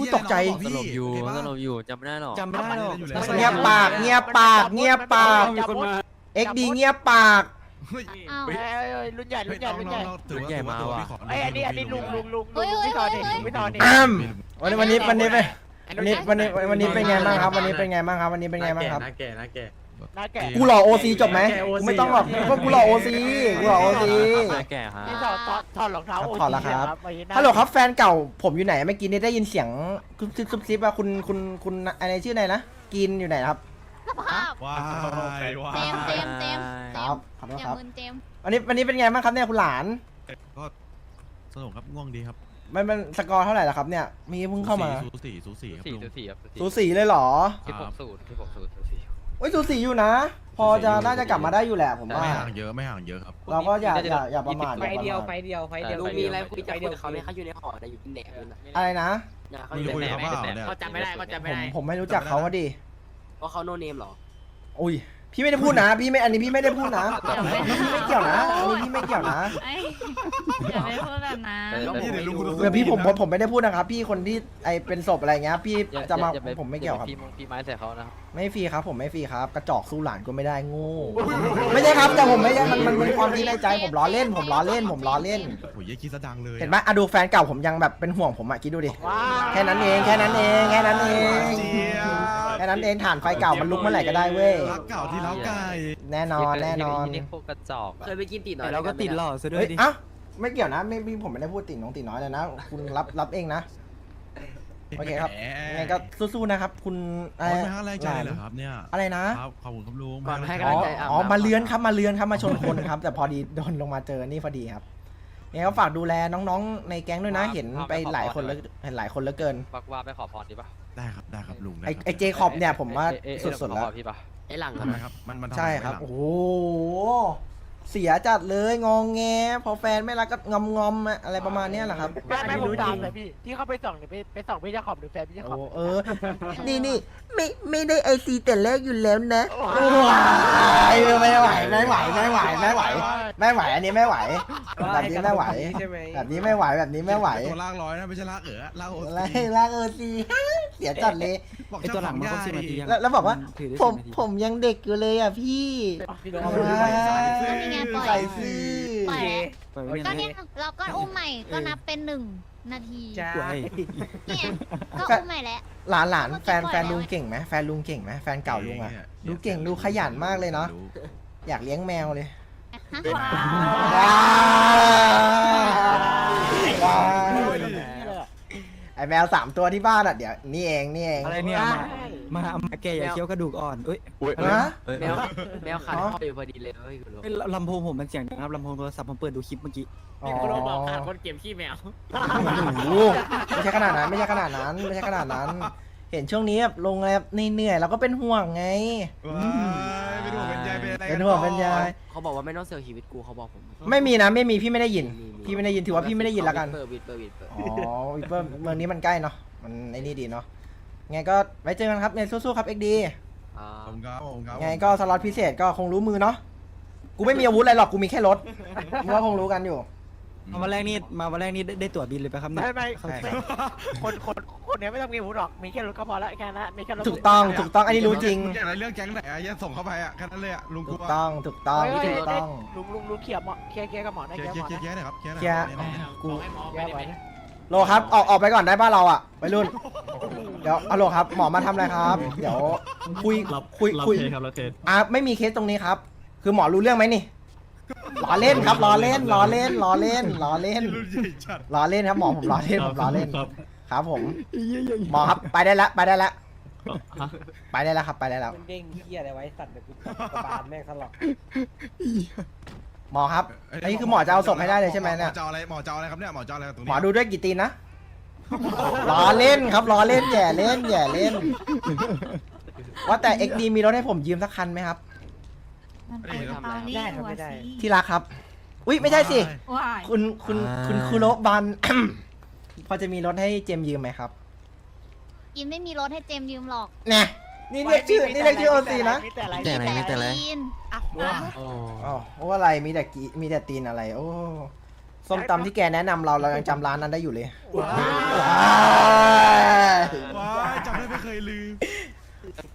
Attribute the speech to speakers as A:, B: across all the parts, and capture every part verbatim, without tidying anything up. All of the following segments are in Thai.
A: อู้ตกใจ
B: สลบอยู่สลบอยู่จำไม่ได้หรอก
C: จำไม่ได้หรอก
A: เงียบปากเงียบปากเงียบปาก
C: มีคนมา
A: เอ็กดีเงียบปาก
D: อ้าว
E: เอ้ยรุ่นใหญ่รุ่นใหญ่รุ่นใหญ่
B: รุ่นใหญ่มาว่ะ
E: ไอ้อันนี้อันนี้ลุงลุงลุงลุงพี่ทอนนี่พี่ทอนนี่
A: อ้ำวันนี้วันนี้วันนี้เป็นวันนี้วันนี้วันนี้เป็นไงบ้างครับ วันนี้เป็นไงบ้างครับ วันนี้เป็นไงบ้างครับ
C: น่าแก่น่าแก่
E: หน้าแก่
A: กูหล่อโอซีจบไหมกูไม่ต้องหรอกเพราะกูหล่อโอซีกูหล่อโอซี
B: แก่ฮะ
E: นี่ถอดถอดถอดรองเท้าโอ
A: ถอดแล้วครับ
E: ไม่ใช่น้า
A: ฮัลโหลครับแฟนเก่าผมอยู่ไหนเมื่อกี้นี้ได้ยินเสียงซุบซิบซุบซิบว่าคุณคุณคุณอะไรชื่ออะไรนะกินอยู่ไหนครับ
D: สภาพ
F: ว้ายว้า
D: เจมส์เจ
F: ย
D: มส์เจมส์เจ
A: ค
D: ม
A: รับ
D: ส์
A: ขอโทษ
D: อย่า
A: ครับ
D: มึนเจมส์
A: วันนี้วันนี้เป็นไงบ้างครับเนี่ยคุณหลาน
F: ก็สนุกครับง่วงดีครับ
A: มันมันสกอร์เท่าไหร่ล่ะครับเนี่ยมีเพิ่งเข้ามา
F: สูสีสูสีครับ
B: สี่
F: ลุง
B: จุดสี่ครับ
A: สูสีเลยเหรอ
B: สิบหกสูตรสิบหกสูตรสี่
A: โอ้ยสูสีอยู่นะ พอจะน่าจะกลับมาได้อยู่แหละผมว่า
F: ไม่ห่างเยอะไม่ห่างเยอะครับ
A: เราก็อย่าอย่าอย่าประมาท
G: ไฟเดียวไฟเดียวไฟเดียว
B: ลุงมีอะไรคุยจะคุยกับเขาไหม
G: เขาอยู่ในหอแต่อยู่ที่แหนบนั่นน่ะ
A: อะไรนะ
G: เขา
F: มึ
G: อง ยู่
F: คุย
G: ใน
F: กับ
G: แหน
F: เขา
G: บ
F: เปล่าเนี่ย
G: เขาจำไม่ได้เขาจำไม่
A: ผม
G: ได้
A: ผมไม่รู้จักเขาว่าดิ
G: เพราะเขาโนเนมหรอ
A: อุ้ยพี่ไม่ได้พูดนะ พี่ไม่อันนี้พี่ไม่ได้พูดนะพี่ไม่เกี่ยวนะอันนี้พี่ไม่เกี่ยวนะ
D: ไอ้อย่าไปพูดแบบนั้น
F: นี่เดี๋ยวลุงคุณ
A: เดี๋ยวพี่ผมผมผมไม่ได้พูดนะครับ พี่คนที่ไอเป็นศพอะไรเงี้ยพี่จะมาผมไม่เกี่ยวครับ
B: พี่มงพี่ไม้ใส่เขานะครับ
A: ไม่ฟรีครับผมไม่ฟรีครับ กระจอกสู้หลานก็ไม่ได้โง่ไม่ใช่ครับแต่ผมไม่ใช่มันมันเป็นความที่ในใจผมล้อเล่น ผมล้อเล่นผมล้อเล่น
F: โอ้ยยี่คิดซะดังเลย
A: เห็นไหมอะดูแฟนเก่าผมยังแบบเป็นห่วงผมอะคิดดูดิ
E: ว้า
A: แค่นั้นเองแค่นั้นเองแค่นั้นเอง
F: เจี๊ยบ
A: แค่นั้นเองฐานไฟเก่ามันลุกเมื่อไหร่ก็ได้เว้ย
F: รักเก่าที่เล้าไก่
A: แน่นอนแน่นอน
B: นี่พวกกระจอก
G: เคยไปกินตีน้อย
C: เราก็ติดหล่อซะด้ว
A: เฮ้
C: ย
A: ย
C: ดิ
A: เอ้าไม่เกี่ยวนะไม่พี่ผมไม่ได้พูดติ่งน้องติ่งน้อยเลยนะ คุณรับรับเองนะ โอเคครับยังไงก็สู้ๆนะครับ คุณ
F: โอ้ยไม่ให้แรงใจเลยเหรอครับเนี่ย
A: อะไรนะครับ
F: ขอบคุณครับลุง
G: ก่อนให้
A: อ๋
G: กำลั
A: อง
G: ใจอาบ
A: อ๋อ
G: น้ำ
A: มาเลื้อนครับมาเลื้อนครับมาชนคนครับ แต่พอดีโดนลงมาเจอนี่พอดีครับยังไงก็ฝากดูแลน้องๆในแก๊งด้วยนะเห็นไปหลายคนแล้วเห็นหลายคนแล้วเกิน
B: บักว่าไปขอพรดีป่ะ
F: ได้ครับได้ครับลุง
A: ไอไอเจคอบเนี่ยผมว่าสุดๆแล้ว
B: พี่ป่ะ
G: ไอ้หลัง
F: ทำไมครับมันมันทำ
A: ใช่
F: ไม
A: ครับ
F: ไม่หลัง
A: โอ้โหเสียจัดเลยงองแงพอแฟนไม่รักก็งอมงอมๆอะไรประมาณเนี้ยแหละครับ
E: แม่แม่ผมตามเลยพี่ที่เขาไปส่องเนี่ยไปไปส่องพี่เจ้าขอบหรือแฟนพี่เจ้าข
A: โอ้
E: อบ
A: เออ นี่นี่ไม่ไม่ได้ไอซีแต่แรกอยู่แล้วนะไม่ไหวไม่ไหวไม่ไหวไม่ไหวไม่ไหวอันนี้ไม่ไหวแบบนี้ไม่ไหว
C: ใช่ไหม
A: แบบนี้ไม่ไหวแบบนี้ไม่ไหว
F: ตัวลากร้อยนะไม่ใช่ลากเอ๋อลากโอ
A: อะไรลากเออซีเสียจัดเลย
F: บอก
C: ไอตัวหลังมันครบสิบนาทียัง
A: แล้วแล้วบอกว่า
C: ถือได้
A: ผม
C: สิบนาที
A: ผมยังเด็กอยู่เลยอ่ะพี่
E: พี่โดน
A: เอา
E: เอา
A: ไ
E: ไป
D: นี่ไงปล่อย
A: ใส่ซื่อ
D: ปล่อย
C: ปล่อยไว้
D: ก็
C: อย่าง
D: เนี่
C: นี้
D: ยเราก็อุ้มใหม่ก็นับเป็นหนึ่งนาที
E: จ้า
C: ไว้
D: เนี่ยก็อุ้มใหม่แล้ว
A: หลานหลานแฟนแฟนลุงเก่งไหมแฟนลุงเก่งไหมแฟนเก่าลุงอ่ะดูเก่งดูขยันมากเลยเนาะอยากเลี้ยงแมวเลย
D: ฮะ
A: ว้าวว้าวไอแมวสามตัวที่บ้านอ่ะเดี๋ยวนี่เองนี่เอง
C: อะไรเนี่ยมามามาแกอย่าเคี้ยวกระดูกอ่อนเอ้ย
A: ฮะ
G: แมวแมวขาดพ่ออยู่พอดีเลยเฮ้ยคุณลุง
C: เอ้ยลำโพงผมมันเสียงดังครับลำโพงโทรศัพท์ผมเปิดดูคลิปเมื่อกี้
A: อ๋อ
G: คุณลุงบอกขาดคนเก็บขี้แมว
A: โอ้โหไม่ใช่ขนาดนั้นไม่ใช่ขนาดนั้นไม่ใช่ขนาดนั้น เห็นช่วงนี้แบบลงอะไรแบบเหนื่อยๆเราก็เป็นห่วงไง
F: ว้ายเป็นห่วงเป็นใยเป็นอะไร
A: เป็นห่วงเป็นใย
G: เขาบอกว่าไม่ต้องเสียชีวิตกูเขาบอกผม
A: ไม่มีนะไม่มีพี่ไม่ได้ยิน พี่ไม่ได้ยินถือว่าพี่ไม่ได้ยินแล้วกัน
G: เปิดวิดเปิดวิดเปิด
A: อ๋อวิปเปอร์เมืองนี้มันใกล้เนาะมันไอ้นี่ดีเนาะไงก็ไว้เจอกันครับเนี่ยสู้ๆครับเอ็กดี
G: อ่า
F: ผมครับผมครับ
A: ไงก็สล็อตพิเศษก็คงรู้มือเนาะกูไม่มีอาวุธอะไรหรอกกูมีแค่รถมึงว่าคงรู้กันอยู่
C: มาวันแรกนี่มาวันแรกนี่ได้ได้ตั๋วบินเลยไปครับเนี่ย
E: ไม่ไม่
A: ใช่
E: ไม่คนคนคนเนี้ยไม่ต้องมีหูหรอกมีแค่รถก็พอละแค่นั้นมีแค่รถ
A: ถูกต้องถูกต้องอันนี้รู้จริง
F: อยากอะไรเรื่องแก๊งไหนอะยันส่งเข้าไปอะแค่นั้นเลยอะลุงก
A: ถู
F: ลั
A: ก
F: ว
A: ต้องถูกต้อง
E: เฮ้ย
A: ถูกต้อง
E: ลุงลุงลุงเขี่ยหมอเขี่ยเขี่ยกับหมอได้
F: เคลีย
E: เขี่
F: ร์
E: ย
F: เค
E: ห
F: ลี
E: ม
F: ย
E: อ
F: ร์เคลียร์
E: นะ
F: หน่อยครับเคลียร์หน่อย
A: เคลียร์
F: เนี่ยเนี่ย
A: กู
E: เขี่ยไว้นะ
A: โลครับออกออกไปก่อนได้ป่ะเราอ่ะไปรุ่นเดี๋ยวอะโลครับหมอมาทำอะไรครับ เดี๋ยวคุยคุยคุยอ่ะไม่มีเคสตรงนี้ครับ คือหมอรู้เรื่องไหมนี่ล้อเล่นครับล้อเล่นล้อเล่นล้อเล่นล้อเล่น
F: รุ่นใหญ่จัด
A: ล้อเล่นครับหมอผมล้อเล่นผมล้อเล่นครับผมหมอครับไปได้แล้วไปได้แล้วไปได้แล้วครับไปได้แล้ว
G: มันเด้งเหี้ยอะไรไว้สัตว์เดี๋ยวกูกระบาลแม่งสลอก
A: หมอครับอันนี้คือหมอจะเอาศพให้ได้เลยใช่ไหมเนี่ย
F: หมอจะเอาอะไรหมอจะเอาอะไรครับเนี่ยหมอจะเอาอะไรตรงนี้
A: หมอดูด้วยกี่ตีนนะล้อเล่นครับล้อเล่นแย่เล่นแย่เล่น ว่าแต่ เอ็กซ์ ดี มีรถให้ผมยืมสักคันไหมครับ
D: มันเป็นตอนนี้หัวสี
A: ที่รักครับอุ้ยไม่ใช่สิ
D: ว้าย
A: คุณคุณคุณคุโรบัน พอจะมีรถให้เจมยืมไหมครับ
D: อินไม่มีรถให้เจมยืมหรอก
A: เนี่ยนี่เรียกชื่อนี่เรียกชื่อโอซีนะ
E: มีแต่อะไร
B: แต่อะไรไม่แต่อะไร
D: อิน
E: อ้าว
B: อ๋อ
A: อ๋อโอ้อะไรมีแต่กีมีแต่ตีนอะไร โอ้ส้มตำที่แกแนะนำเราเรายังจำร้านนั้นได้อยู่เลย
E: ว้า
A: ว้าย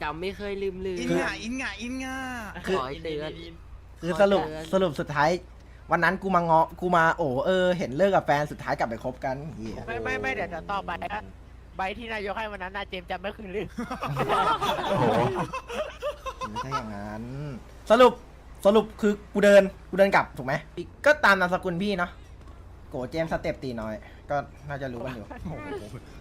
G: ำไม่เคยลืมลืม
F: อินงาอินงาอินงา
G: ขอให้เตือน
A: คือสรุปสรุปสุดท้าย วันนั้นกูมาเงาะกูมาโอ้เออเห็นเลิกกับแฟนสุดท้ายกลับไปคบกันเหี้ย
E: ไม่ไม่ไม่เดี๋ยวจะต่อไปนะใบที่นายกให้วันนั้นนาเจมส์จำไม่คืนลืม
A: โอ้โหไม่ใช่อย่างนั้น สรุปสรุปคือกูเดินกูเดินกลับถูกไหมก็ตามนามสกุลพี่เนาะโกเจมส์สเต็ปตีน้อย ก็น่าจะรู้กันอยู่
F: โอ้โห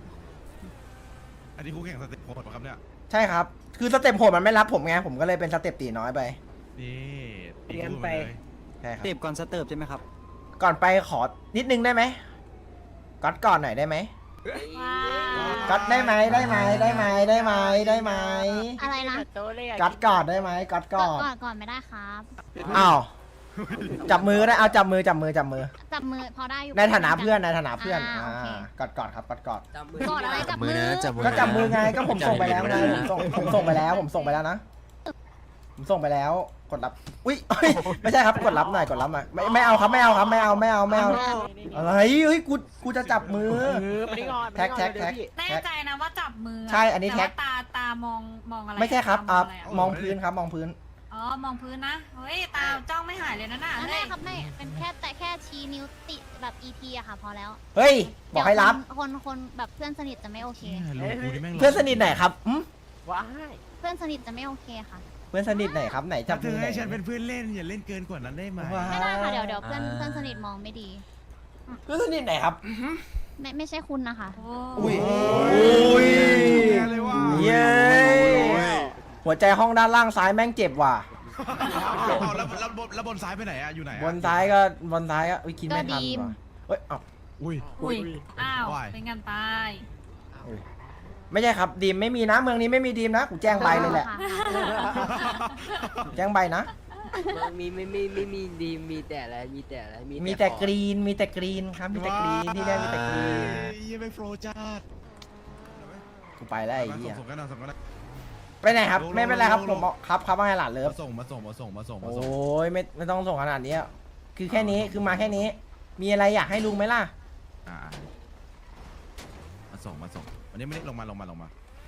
F: อันนี้คู่แข่งสเต็ปโหดปะครับเนี่ย
A: ใช่ครับ คือสเต็ปโหดมันไม่รับผมไงผมก็เลยเป็นสเต็ปตีน้อยไป
F: นี่
G: เตรียมไป
A: ใช่ครับ
C: เต็บก่อนสเติร์ฟใช่ไหมครับ
A: ก่อนไปขอนิดนึงได้ไหมก๊อตก่อนหน่อยได้ไหม
D: ว้า
A: ก๊อตได้ไหมได้ไหมได้ไหมได้ไหมได้ไหม
D: อะไรนะ
E: โตเลยอะ
A: ก๊อตก่อนได้ไหมก๊อต
D: ก่
A: ก่
D: อ
A: อน น
D: ก่อนก่อนไม่ได้ครับ
A: อ้าวจับมือก็ได้เอาจับมือจับมือจับมือ
D: จับมือพอได้อยู่
A: ในฐานะเพื่อนในฐานะเพื่อน
D: อ่า
A: อ่า
D: โอเค
A: กอดกอดครับกอดกอด
G: จำมื
D: กอดอะไรจับมือ
A: ก็จับมือไงก็ผมส่งไปแล้วไงผมส่งผมส่งไปแล้วผมส่งไปแล้วนะ ผมส่งไปแล้วกดรับอุ้ยเอ้ยไม่ใช่ครับกดรับหน่อยกดรับหน่อยไม่ไม่เอาครับไม่เอาครับไม่เอาไม่เอาไม่เอาอะไรเฮ้ยกูกูจะจับมือ
E: เออไม่ได้งอน
A: แท็กแท็กแท็ก
H: แน่ใจนะว่าจับมือ
A: ใช่อันนี้แท็ก
H: ต่ว่าตาตามองมองอะไร
A: ไม่ใช่ครับ
H: ตา
A: อ่าม
H: องอะไรอะ
A: มองพื้นครับมองพื้น
H: อ๋อมองพื้นนะเฮ้ยตาจ้องไม่หายเลยนะน่ะ
D: ไม่
H: เฮ้ย
D: ครับไม่เป็นแค่แต่แค่ชี้นิ้วติแบบ อี ที อะค่ะพอแล้ว
A: เฮ้ยบอกให้รับ
D: เดี๋ยวคนคนคนแบบเพื่อนสนิทจะไม่โอเค
F: เนี่ยลุงกูนี่แม่ง
A: เพื่อนสนิทไหนครับอืม
E: ว้าย
D: เพื่อนสนิทจะไม่โอเคค่ะ
A: เพื่อนสนิทไหนครับไหนจั
F: จั
A: บบ
F: เธ
A: มือ
F: อ
A: ไหน
F: ให้ฉันเป็นเพื่อนเล่นอย่าเล่นเกินกว่านั้นได้ไหม
A: ว้า
D: ไม่ได้ค่ะเดี๋ยวเดี๋ยวเพื่อนเพื่อนสนิทมองไม่ดี
A: เพื่อนสนิทไหนครับ
D: ไม่ไม่ใช่คุณนะคะ
H: โอ้
A: อุ้ยอุ้ย
F: แย่เลยว่ะ
A: เย้หัวใจห้องด้านล่างซ้ายแม่งเจ็บว่ะ
F: เอาแล้วแล้วบนแล้วบนซ้ายไปไหนอะอยู่ไหนอะ
A: บนซ้ายก็บนซ้ายก็อุ้ยคิดไม่ทัน
D: ก็ดีม
A: ว่ะเฮ้ยเอ้า
F: อุ้ย
H: อุ้ยอ้าว
F: ว่าย
H: เป็นกันตาย
A: ไม่ใช่ครับดีมไม่มีนะเมืองนี้ไม่มีดีมนะกูแจ้งใบเลยแหละ
D: ค่ะ
A: แจ้งใบนะ
G: มันมีไม่ไม่ไม่มีดีมีแต่อะไรมีแต่อะไร
A: มีแต่กรีนมีแต่กรีนครับมีแต่กรีนที่นี่มีแต่กรีน
F: เยี่ยไปโฟร์จ้าด
A: กูไปแล้วไอ้เหี้ย
F: ส่งกันนะส่งกันนะ
A: ไปไหนครับ
F: ลง
A: ไม่เป็นไรครับ
F: ลง
A: ผมบอกครับครับว่าไงหลานเลิฟ
F: มาส่งมาส่งมาส่งมาส่งมา
A: โอ้
F: ส่ง
A: ยไม่ไม่ต้องส่งขนาดนี้อะคือแค่นี้คือมาแค่นี้ มีอะไรอยากให้ลุงไหมล่ะ
F: อ่ามาส่งมาส่งวันนี้ไม่ได้ลงมาลงมาลงมา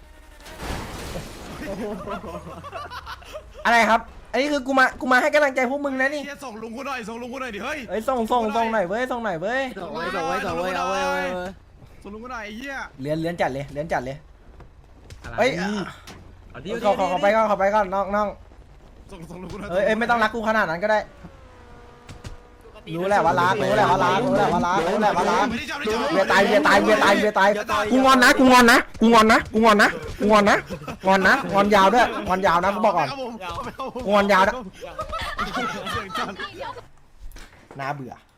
A: อะไรครับ อันนี้คือกูมากูมาให้กำลังใจพวกมึงนะนี่
F: เฮียส่งลุงกูหน่อยส่งลุงกูหน่อยดิเฮ้ย
A: เอ้ยส่งส่งส่งหน่อยเว้ยส่งหน่อยเว้ย
G: ส่งไว้ส่งไว้ส่งไว้เอาไว้เอาไว้
F: ส่งลุงกูหน่อยไอ้เหี้ย
A: เลี้ยนเลี้ยนจัดเลยเลี้ยนจัดเลยเอ้ยขอขอขอไปก่อนขอไปก่อนน้องน้อง
F: ส่งส่งลุงกูหน่อย
A: เอ้ยเอ้ยไม่ต้องรักกูขนาดนั้นก็ได้ รู้แหละว่ารักรู้แหละว่ารักรู้แหละว่ารักรู้แหละว่ารัก
F: ไม่ได้จับไม่ได้จับ
A: เวียตายเวียตายเวียตายเวียตายกูงอนนะกูงอนนะกูงอนนะกูงอนนะกูงอนนะงอนนะงอนยาวด้วยงอนยาวนะกูบอกก่อน
F: ครับผม
A: งอนยาวนะ
F: เสียงจัด
A: น่าเบื่อ